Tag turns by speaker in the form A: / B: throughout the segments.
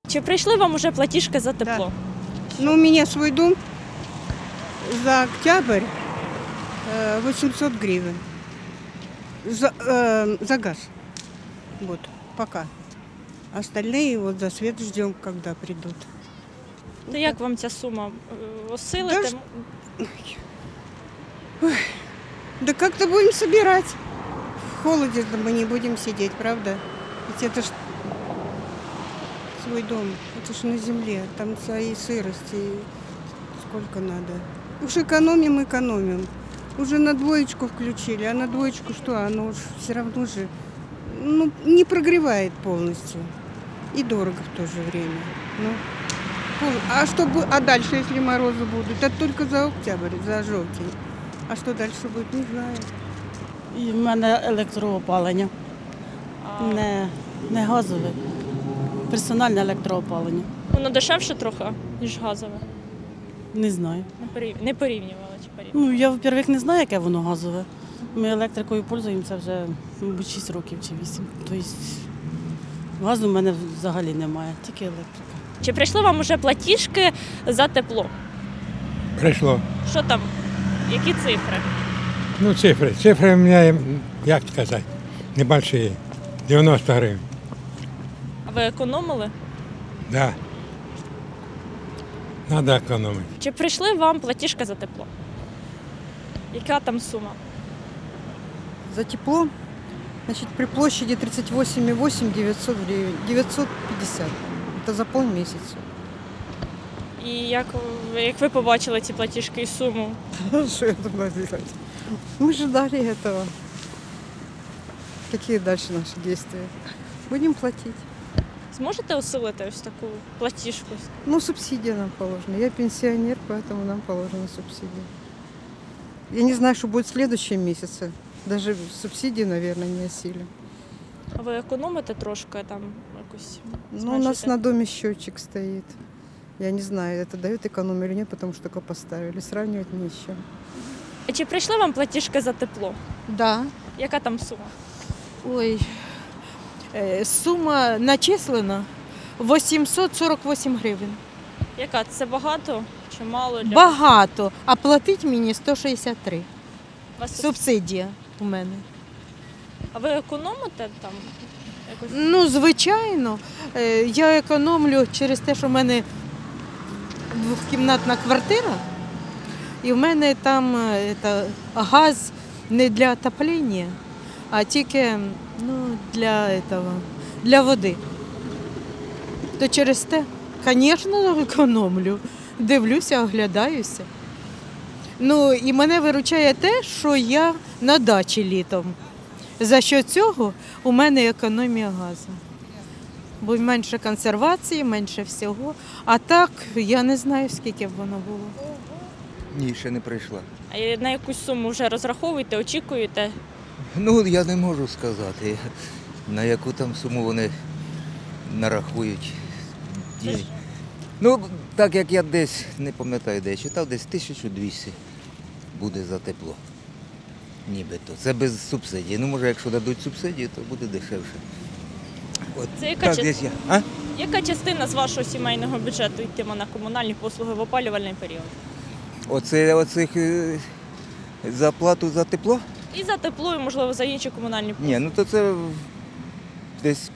A: Чи прийшли вам уже платіжки за тепло?
B: Ну, у меня свой дом за октябрь 800 гривен. За газ. Вот, пока. Остальные вот за свет ждем, когда придут.
A: То як вам ця сума? Осилите?
B: Да ж- Да как-то будем собирать. В холоде мы не будем сидеть, правда? Ведь это ж свой дом, это ж на земле, там свои сырости, сколько надо. Уж экономим. Уже на двоечку включили, а на двоечку что? Оно уж все равно же не прогревает полностью. И дорого в то же время. Ну, а дальше, если морозы будут? Это только за октябрь, за желтень. А что дальше будет, не знаю.
C: І в мене електроопалення, не газове, персональне електроопалення.
A: Воно дешевше трохи, ніж газове.
C: Не знаю.
A: Не порівнювали чи порівнювали?
C: Ну, я, во-первых, не знаю, яке воно газове. Ми електрикою пользуємося вже, мабуть, 6 років чи 8. Тобто газу в мене взагалі немає, тільки електрика.
A: Чи прийшли вам уже платіжки за тепло?
D: Прийшло.
A: Що там? Які цифри?
D: Ну, цифри. Цифри у мене, як сказати, небольшие. 90 гривень.
A: А ви економили?
D: Да. Надо економити.
A: Чи прийшли вам платіжка за тепло? Яка там сума?
E: За тепло, значит, при площади 38,8 900 гривен, 950. Это за полмесяца.
A: І як ви побачили ці платіжки і суму?
E: Что я должна делать? Мы ждали этого. Какие дальше наши действия? Будем платить.
A: Зможете осилити ось таку платіжку?
E: Ну, субсидия нам положена. Я пенсионер, поэтому нам положена субсидия. Я не знаю, что будет в следующем месяце. Даже субсидии, наверное, не осилим.
A: А ви економите трошки там якось?
E: Ну, у нас на доме счетчик стоит. Я не знаю, это дает экономию или нет, потому что только поставили. Сравнивать не с чем.
A: Чи прийшли вам платіжки за тепло?
F: Да.
A: Яка там сума?
F: Ой, сума начислена 848 гривень.
A: Яка? Це багато чи мало?
F: Багато, а платить мені 163.
A: Вас?
F: Субсидія у мене.
A: А ви економите там? Якось?
F: Ну, звичайно, я економлю через те, що в мене двохкімнатна квартира, і в мене там газ не для отоплення, а тільки для води. То через те, звісно, економлю. Дивлюся, оглядаюся. Ну, і мене виручає те, що я на дачі літом. За що цього у мене економія газу. Бо менше консервації, менше всього. А так, я не знаю, скільки б воно було.
G: Ні, ще не прийшла.
A: А на якусь суму вже розраховуєте, очікуєте?
G: Ну, я не можу сказати, на яку там суму вони нарахують. Ну, так як я десь, не пам'ятаю, де я читав, десь 1200 буде за тепло. Нібито. Це без субсидії. Ну, може, якщо дадуть субсидію, то буде дешевше. От,
A: Це яка,
G: так, десь я. А?
A: яка частина з вашого сімейного бюджету йтиме на комунальні послуги в опалювальний період?
G: Оцих за плату за тепло?
A: І за тепло, і, можливо, за інші комунальні послуги.
G: Ні, ну то це десь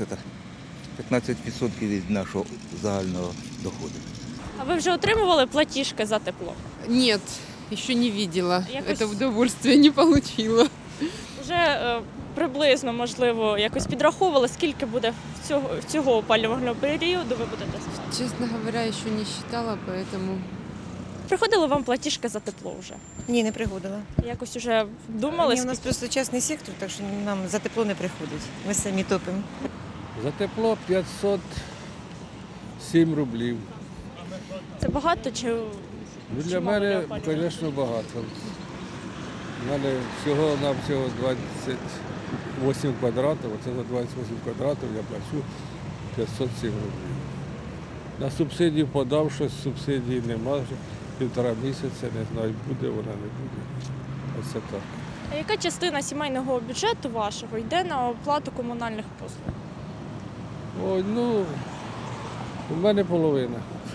G: 15% від нашого загального доходу.
A: А ви вже отримували платіжки за тепло?
H: Нет, еще не видела.
A: Якось-
H: Это удовольствие не получила.
A: Вже приблизно, можливо, якось підраховували, скільки буде цього опалювального періоду ви будете?
H: Честно говоря, еще не считала, поэтому...
A: Приходили вам платіжки за тепло вже?
I: Ні, не приходила.
A: Якось вже думали?
I: Ні, у нас просто частний сектор, так що нам за тепло не приходить. Ми самі топимо.
J: За тепло 507 рублів.
A: Це багато чи
J: Ну, для
A: мало
J: мене,
A: опалювання?
J: звісно, багато. У мене всього-навсього 28 квадратів, оце за 28 квадратів я плачу 507 рублів. На субсидію подав, щось субсидії немає, вже 1,5 місяця, не знаю, буде вона, не буде. Оце так.
A: А яка частина сімейного бюджету вашого йде на оплату комунальних послуг?
J: Ой, ну, У мене половина.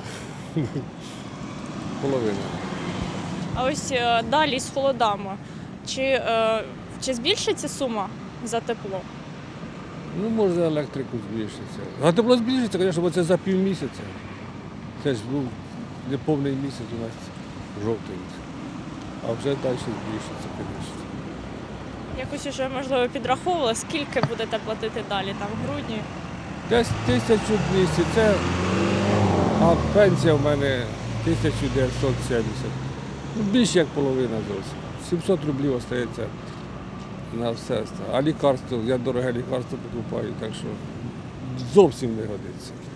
J: Половина.
A: А ось далі з холодами. Чи збільшиться сума за тепло?
J: Ну, може, електрику збільшиться. А тепло збільшиться, звісно, бо це за півмісяця. Це ж був неповний місяць у нас жовтий. А вже далі збільшиться, звісно.
A: Якось уже, можливо, підраховували, скільки будете платити далі, там, в грудні?
J: Десь 1200, це, а пенсія в мене 1970. Ну, більше як половина зовсім. 700 рублів залишається на все. А лікарство, я дороге лікарство покупаю, так що зовсім не годиться.